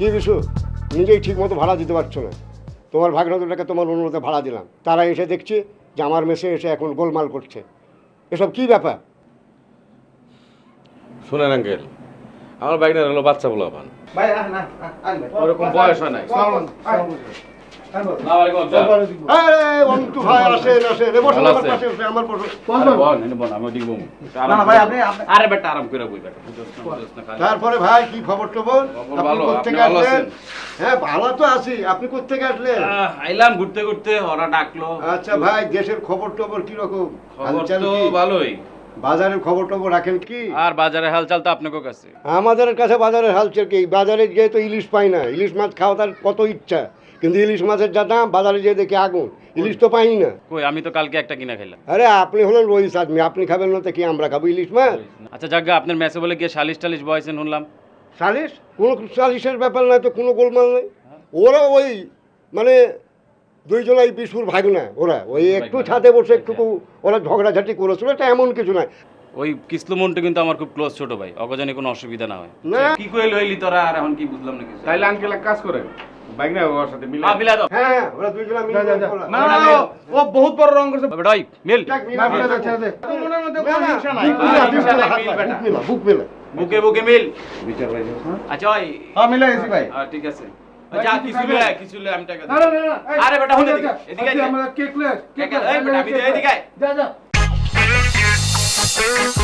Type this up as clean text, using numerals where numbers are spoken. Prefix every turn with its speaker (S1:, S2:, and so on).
S1: কি বিশু, নিজেই ঠিক মতো ভাড়া দিতে পারছো না। তোমার ভাগনাতুটাকে তোমার অনুরোধে ভাড়া দিলাম, তারা এসে দেখছি যে আমার মেসে এসে এখন গোলমাল করছে। এসব কি ব্যাপার?
S2: শুনেন আঙ্কেল, আমার বাইকটা হলো বাচ্চা বলা পান,
S3: ভাই না
S2: ওরকম বয়স হয় নাই।
S1: অন্তু ভাই আসেন আসেন, বসুন আমার পাশে, আমার পাশে।
S2: আরে বেটা আরাম করে বই বেটা, বুঝছ না বুঝছ না খালি।
S1: তারপরে ভাই কি খবর টবর? আপনি
S2: ভালো,
S1: কোত্থেকে
S2: আপনি ভালো
S1: আসলেন?
S2: আছেন?
S1: হ্যাঁ ভালো তো আছি, আপনি কোত্থেকে আসলেন?
S2: আইলাম ঘুরতে ঘুরতে, ওরা ডাকলো।
S1: আচ্ছা ভাই, দেশের খবর টবর কিরকম?
S2: খবর
S1: হালচাল
S2: তো
S1: কি?
S2: ভালোই।
S1: বাজারের খবর টবর রাখেন কি?
S2: আর বাজারে হালচাল তো আপনার কাছে।
S1: আমাদের কাছে বাজারের হালচাল কি? বাজারে গিয়ে তো ইলিশ পাই না। ইলিশ মাছ খাওয়া তার কত ইচ্ছা, কিন্তু ইলিশ মাছের যা দাম, বাজারে যেয়ে দেখি আগুন, ইলিশ তো পাই না।
S2: কই, আমি তো কালকে একটা কিনা খাইলাম।
S1: আরে আপনি হলেন রইস আদমি, আপনি খাবেন না তো কি আমরা খাবো ইলিশ মাছ?
S2: আচ্ছা জাগা, আপনার মেসে বলে গিয়ে সালিশ টালিশ বয়সেন শুনলাম।
S1: সালিশ? কোনো সালিশের ব্যাপার নাই তো, কোনো গোলমাল নেই। ওরা ওই মানে দুইজনাই বিশুর ভাগনা, ওরা ওই একটু ছাদে বসে একটু ওরা ঝগড়াঝাটি করেছিল, এটা এমন কিছু নয়।
S2: ওই কিসলু মন্টু কিন্তু আমার খুব ক্লোজ ছোট ভাই, অগজানি কোনো অসুবিধা না হয়।
S1: না।
S2: কি কইল হইলি তোরা, আর এখন কি বুঝলাম না কিছু।
S4: তাইলে আঙ্কেল এক কাজ করেন, বাইক না ওর সাথে মিলে।
S2: মিলা দাও।
S1: হ্যাঁ হ্যাঁ, ওরা দুইজনা মিলে করা।
S4: না না, ও বহুত বড় রং করছে।
S2: বেটা ওই মিল।
S1: যাক, মিলে
S4: না,
S1: মিলে
S4: মিলে
S1: ছেড়ে দে।
S4: তোর মনের মধ্যে
S1: না,
S4: কোনো
S1: না,
S4: হিংসা নাই।
S1: বুক মিলা,
S2: আর
S1: বুক
S2: হিংসা
S1: মিলা,
S2: নাই, মিল বেটা।
S1: বুক মিলা, বুক মিলা।
S2: বুকে বুকে মিল।
S4: বিচার ভাই
S2: আচ্ছা ওই
S4: হ্যাঁ মিলে গেছি ভাই।
S2: ঠিক আছে। যা কিছু লে আমি টাকা
S4: না
S2: দিই।
S4: না না, এই,
S2: আরে বেটা, হুন এদিকে,
S4: যা,
S2: এদিকে আয়।
S4: আমরা কেক লে,
S2: এই বেটা, আমি যাই এদিকে আয়।
S4: যা যা।